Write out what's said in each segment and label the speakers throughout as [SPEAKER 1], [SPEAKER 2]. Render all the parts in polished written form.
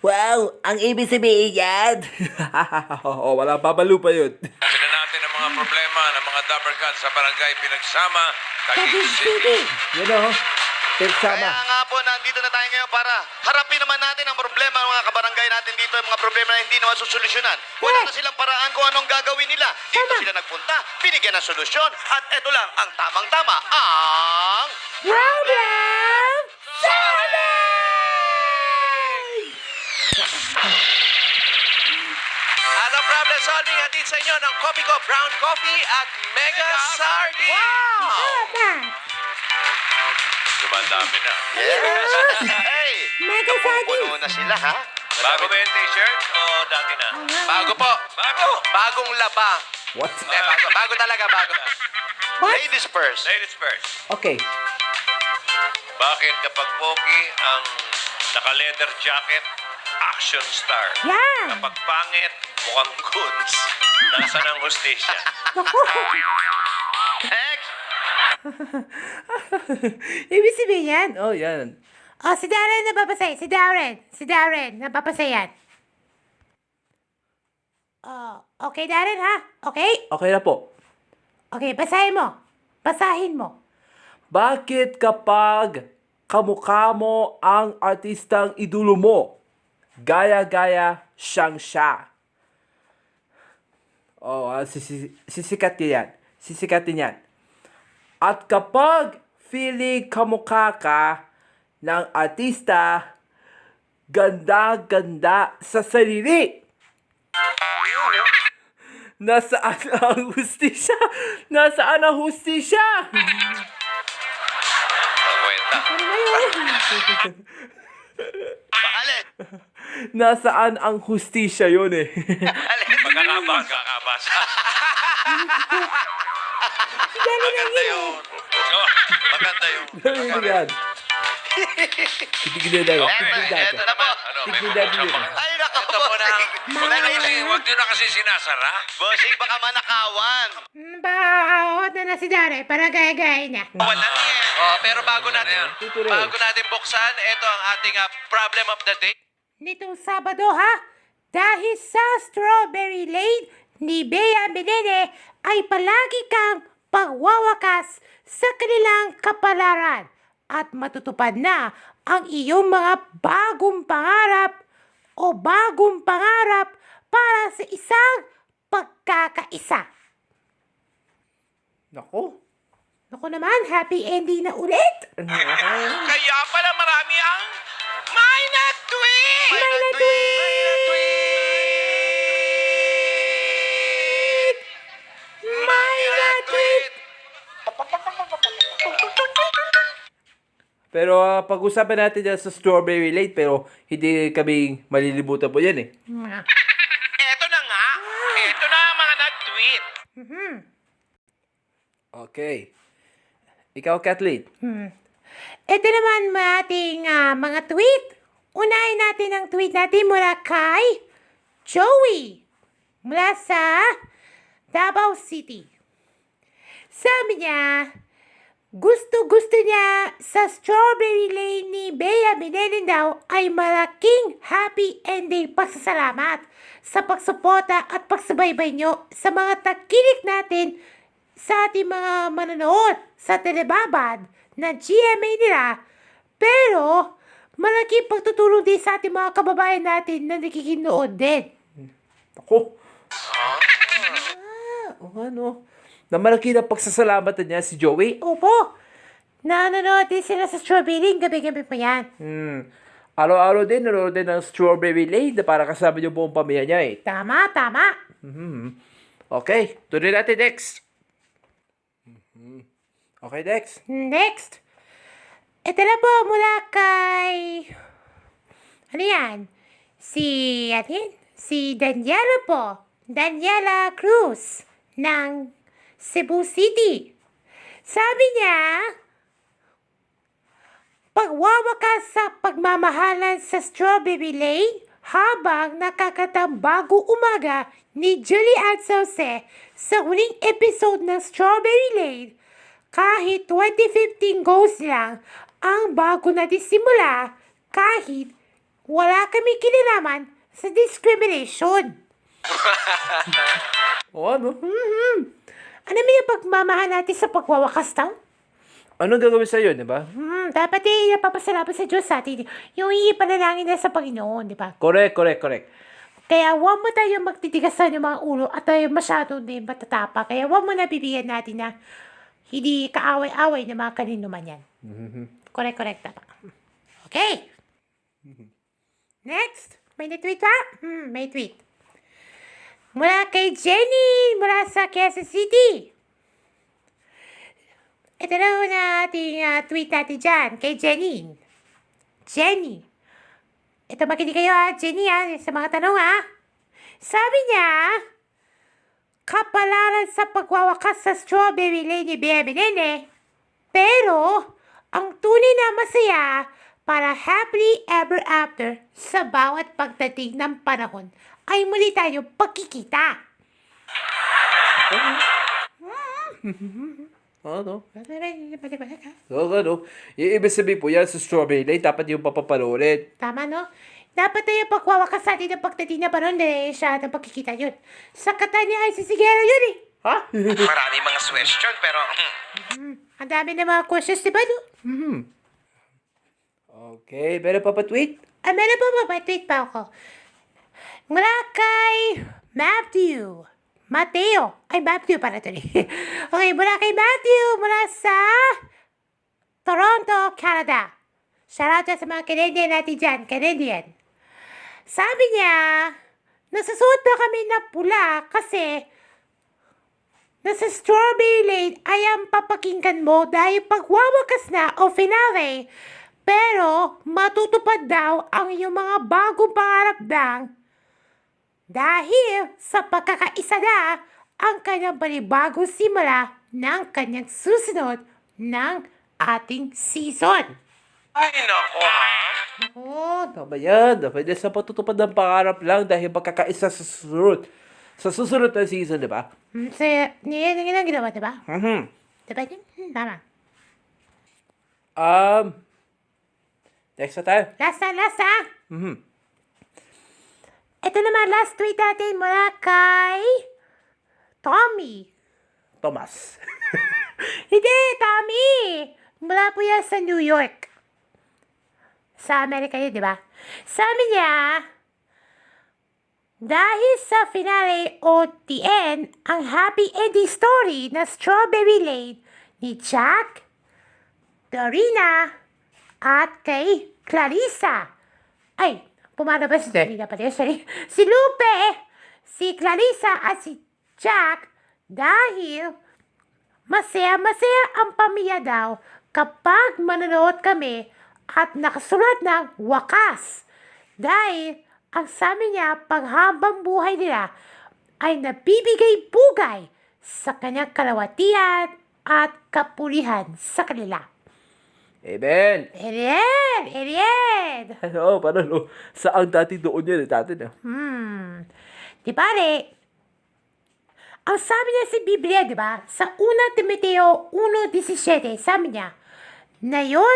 [SPEAKER 1] Wow, ang ibig sabihin yan.
[SPEAKER 2] Oo, wala babalo pa yun.
[SPEAKER 3] Sabi na natin ang mga problema ng mga Dabarkad sa barangay Pinagsama, Taguig City.
[SPEAKER 2] Yan o. Tegsama.
[SPEAKER 4] Kaya nga po, nandito na tayo ngayon para harapin naman natin ang problema ng mga kabarangay natin dito, yung mga problema na hindi naman susolusyonan. Wala na silang paraan kung anong gagawin nila. Dito sila nagpunta, binigyan ng solusyon, at eto lang ang tamang-tama, ang...
[SPEAKER 1] Problem
[SPEAKER 3] Ang problem solving hatid sa inyo ng Coffee Co Brown Coffee at Mega Sardine. Dumandami na.
[SPEAKER 4] Yes! Hey!
[SPEAKER 1] Mega Sardine.
[SPEAKER 4] Puno na sila, ha?
[SPEAKER 3] Bago ba yung t-shirt o dati na?
[SPEAKER 4] Bago po.
[SPEAKER 3] Bago!
[SPEAKER 4] Bagong laba.
[SPEAKER 2] What?
[SPEAKER 4] Bago talaga, bago.
[SPEAKER 1] What?
[SPEAKER 4] Ladies first.
[SPEAKER 3] Ladies first.
[SPEAKER 2] Okay.
[SPEAKER 3] Bakit kapag pogi ang naka-leather jacket, action star?
[SPEAKER 1] Yan.
[SPEAKER 3] Kapag pangit, mukhang goods. Nasaan ang hostesya?
[SPEAKER 4] Next!
[SPEAKER 1] Ibig sabihin yan.
[SPEAKER 2] Oh, yan.
[SPEAKER 1] Oh, si Darren napapasay. Si Darren napapasay yan. Oh, okay Darren ha? Okay?
[SPEAKER 2] Okay na po.
[SPEAKER 1] Okay, basahin mo. Basahin mo.
[SPEAKER 2] Bakit kapag kamukha mo ang artistang idolo mo, gaya-gaya siyang siya? Oh, sisikatin yan. Sisikatin yan. At kapag feeling kamukha ka ng artista, ganda-ganda sa sarili. Nasaan ang hustisya? Nasaan ang hustisya?
[SPEAKER 3] Ang kwenta.
[SPEAKER 4] Alin?
[SPEAKER 2] Nasaan ang hustisya yun eh?
[SPEAKER 3] Magkakabasa. Maganda yun. Oh, maganda yun.
[SPEAKER 2] Ano yan? Tignan na yun.
[SPEAKER 4] Eto na po.
[SPEAKER 3] Ano, may
[SPEAKER 2] Tignan
[SPEAKER 3] mga
[SPEAKER 2] yun.
[SPEAKER 4] Ay, nako
[SPEAKER 3] Ito po na.
[SPEAKER 4] Bossing.
[SPEAKER 3] Huwag nyo na kasi sinasara.
[SPEAKER 4] Bossing, baka manakawan.
[SPEAKER 1] Bakawat na si Darren para gaya-gaya na.
[SPEAKER 3] Wala na yan. Oh, pero bago natin
[SPEAKER 2] Tutuloy.
[SPEAKER 3] buksan, ito ang ating problem of the day.
[SPEAKER 1] Nitong Sabado ha, dahil sa Strawberry Lane ni Bea Menene ay palagi kang pagwawakas sa kanilang kapalaran at matutupad na ang iyong mga bagong pangarap o bagong pangarap para sa isang pagkakaisa.
[SPEAKER 2] Nako.
[SPEAKER 1] Naku naman, happy ending na ulit!
[SPEAKER 3] Kaya pala marami ang may na-tweet!
[SPEAKER 1] May na-tweet! May na-tweet!
[SPEAKER 2] Pero pag-usapan natin yan sa Strawberry Lane, pero hindi kami malilibutan po yan eh.
[SPEAKER 3] Eto na nga. Eto na ang mga nag-tweet.
[SPEAKER 2] Okay. Ikaw, Kathleen.
[SPEAKER 1] Ito naman ating mga tweet. Unahin natin ang tweet natin mula kay Joey mula sa Davao City. Sabi niya, gusto niya sa Strawberry Lane ni Bea Menene daw ay malaking happy ending pasasalamat sa pagsuporta at pagsubaybay nyo sa mga takilik natin sa ating mga manonood sa telebabad na GMA nila. Pero, malaking pagtutulong din sa ating mga kababayan natin na nakikinood din.
[SPEAKER 2] Ako. O ano? Na malaki na pagsasalamatan niya si Joey.
[SPEAKER 1] Opo, nanonood din sila sa Strawberry, gabi-gabi pa yan.
[SPEAKER 2] Araw-araw din, nanonood din ng Strawberry Lane na para kasama yung buong pamilya niya eh.
[SPEAKER 1] Tama.
[SPEAKER 2] Okay, tuloy natin next. Okay, next.
[SPEAKER 1] Next, ito na po mula kay, ano yan? Si Daniela po. Daniela Cruz ng Cebu City. Sabi niya, pagwawakas sa pagmamahalan sa Strawberry Lane habang nakakatang bago umaga ni Julie Ann Sauce sa huling episode ng Strawberry Lane. Kahit 2015 goals lang ang bago natin simula, kahit wala kami kinalaman sa discrimination.
[SPEAKER 2] O ano?
[SPEAKER 1] Ano ba yung pagmamahal natin sa pagwawakas daw?
[SPEAKER 2] Anong gagawin sa'yo, di ba?
[SPEAKER 1] Dapat napapasalamat sa Diyos sa atin. Yung ipanalangin na sa Panginoon, di ba?
[SPEAKER 2] Correct.
[SPEAKER 1] Kaya huwag mo tayo magtitigasan yung mga ulo at tayo masyado din matatapa. Kaya huwag mo na bibigyan natin na hindi kaaway-away ng mga kanino man yan. Correct. Tama. Okay. Next. May na-tweet pa? May tweet. Mula kay Jenny, mula sa Quezon City. Ito na na ating tweet natin dyan, kay Jenny. Jenny. Ito makinig kayo Jenny sa mga tanong Sabi niya, kapalaran sa pagwawakas sa Strawberry Lady Bienvenene, pero ang tunay na masaya para happily ever after sa bawat pagdating ng panahon ay muli tayo pagkikita.
[SPEAKER 2] Ano? So, ano? Yung ibig sabihin po yan sa Strawberry Lane, dapat yung papapanoorin.
[SPEAKER 1] Tama, no? Dapat tayo pagwawakas sa atin ng pagdating na panahon siya ng pagkikita yun. Sa kata niya ay sisigero yun
[SPEAKER 2] Ha?
[SPEAKER 3] Marami mga question, pero
[SPEAKER 1] Ang dami na mga questions, di ba, no?
[SPEAKER 2] Okay, meron pa pa-tweet?
[SPEAKER 1] Meron pa tweet pa ako. Mula kay Matthew. Matthew para ito Okay, mula kay Matthew, mula sa Toronto, Canada. Shout out sa mga Canadian natin dyan, Canadian. Sabi niya, nasusuot na kami na pula kasi nasa Strawberry Lane ay ang papakinggan mo dahil pagwawakas na o finale. Pero matutupad daw ang iyong mga bagong pangarap dahil sa pagkakaisa na ang kanyang panibagong simula ng kanyang susunod ng ating season.
[SPEAKER 3] ay nako
[SPEAKER 2] Tama yan. Dapat yan sa patutupad ng pangarap lang dahil magkakaisa sa susunod. Sa susunod na season, di ba?
[SPEAKER 1] So, yan ang ginawa, diba? Diba yun? Tama.
[SPEAKER 2] Next na tayo.
[SPEAKER 1] Last Ito naman, last tweet natin mula kay Tommy.
[SPEAKER 2] Thomas.
[SPEAKER 1] Hindi, Tommy! Mula po yan sa New York. Sa Amerika yun, di ba? Sabi niya, dahil sa finale o the end, ang happy ending story na Strawberry Lane ni Jack, Dorina, at kay Clarissa. Ay, pumano ba si Dorina pala? Sorry. Si Lupe, si Clarissa at si Jack dahil masaya-masaya ang pamilya daw kapag manonood kami at nakasulat ng wakas. Dahil ang sabi niya, paghabang buhay nila ay nabibigay bugay sa kanyang kalawatian at kapulihan sa kanila.
[SPEAKER 2] Amen.
[SPEAKER 1] Ariel!
[SPEAKER 2] Oo, parang saan dati doon yun dati na.
[SPEAKER 1] Di bale, ang sabi niya sa Biblia, di ba? Sa 1 Timoteo 1:17, sabi niya, na yun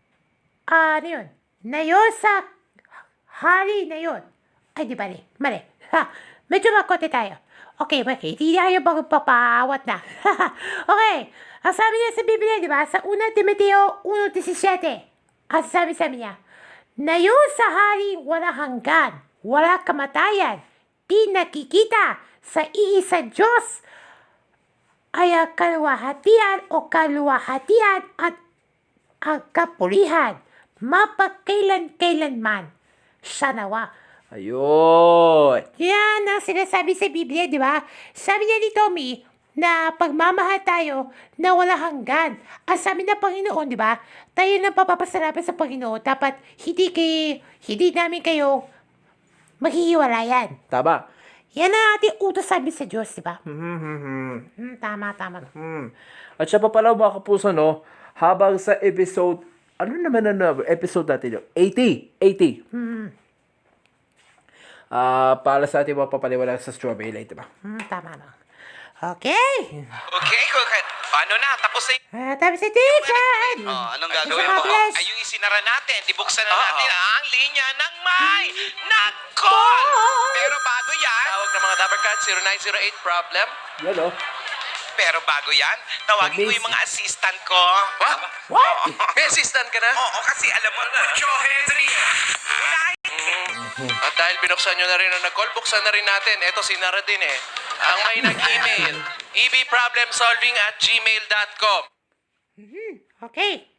[SPEAKER 1] sa hari na yun. Ay, di bale, mali. Medyo makote tayo. Okay, hindi tayo magpapaawat na. Okay, ang sabi niya sa Biblia, di ba? Sa 1 Timoteo 1:17, ang sabi niya, na yun sa hari wala hanggan, wala kamatayan, di nakikita sa iisa Diyos ay ang kaluwahatian at ang kapulihan, mapagkailan-kailanman. Siya nawa.
[SPEAKER 2] Ayun.
[SPEAKER 1] Yan ang sinasabi sa Biblia, di ba? Sabi niya ni Tommy na pagmamahal tayo na wala hanggan. Ang sabi ng Panginoon, di ba? Tayo na papapasalamat sa Panginoon. Dapat hindi namin kayo maghihiwalayan.
[SPEAKER 2] Tama.
[SPEAKER 1] Yan ang ating utos sabi sa Diyos, di ba? Tama.
[SPEAKER 2] At siya pa pala mga kapuso, no? Habang sa episode, ano naman ang episode natin yun? 80. Para sa ating mga papaliwala sa Strawberry Lane, diba?
[SPEAKER 1] Tama na. Okay.
[SPEAKER 5] Okay, paano na? Tapos na
[SPEAKER 1] Tapos si teacher.
[SPEAKER 4] Oh, anong
[SPEAKER 1] Isa
[SPEAKER 4] gagawin
[SPEAKER 1] pa,
[SPEAKER 4] mo?
[SPEAKER 1] bless.
[SPEAKER 5] ay yung isinara natin. Dibuksan na natin ang linya ng may nag-call. Pero bago yan, tawag ng mga Dabber Cats 0908 problem.
[SPEAKER 2] Yan o.
[SPEAKER 5] Pero bago yan, tawagin ko yung mga assistant ko. What?
[SPEAKER 2] What?
[SPEAKER 5] May assistant ka na? Oo, kasi alam mo, put your hands in the air.
[SPEAKER 3] At dahil binuksan nyo na rin ang nag-call, buksan na rin natin. Ito si Nara din eh. Ang may nag-email, ebproblemsolving@gmail.com.
[SPEAKER 1] Okay.